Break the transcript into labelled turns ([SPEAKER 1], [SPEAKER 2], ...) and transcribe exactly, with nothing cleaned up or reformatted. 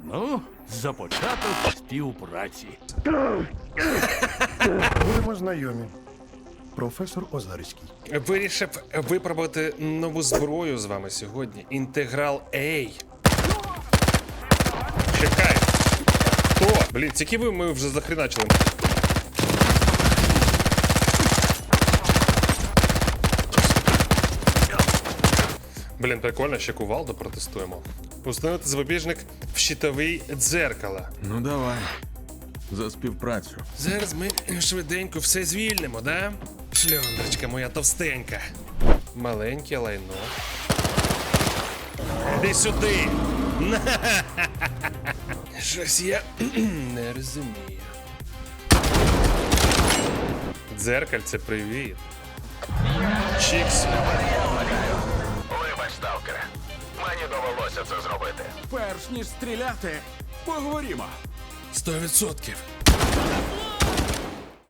[SPEAKER 1] Ну, за початок співпраці.
[SPEAKER 2] Будемо знайомі. Професор Озарський.
[SPEAKER 3] Вирішив випробувати нову зброю з вами сьогодні. Інтеграл A. Чекай. Хто? Блін, тільки ви ми вже захреначили. Блін, прикольно, ще кувалду протестуємо. Установити запобіжник в щитовий дзеркало.
[SPEAKER 4] Ну давай. За співпрацю.
[SPEAKER 3] Зараз ми швиденько все звільнимо, да? Шльондрочка моя товстенька. Маленьке лайно. Іди сюди! Щось я не розумію. Дзеркальце, привіт. Чікс.
[SPEAKER 5] Вибач, сталкере. Мені довелося це зробити.
[SPEAKER 6] Перш ніж стріляти, поговоримо.
[SPEAKER 3] Сто відсотків.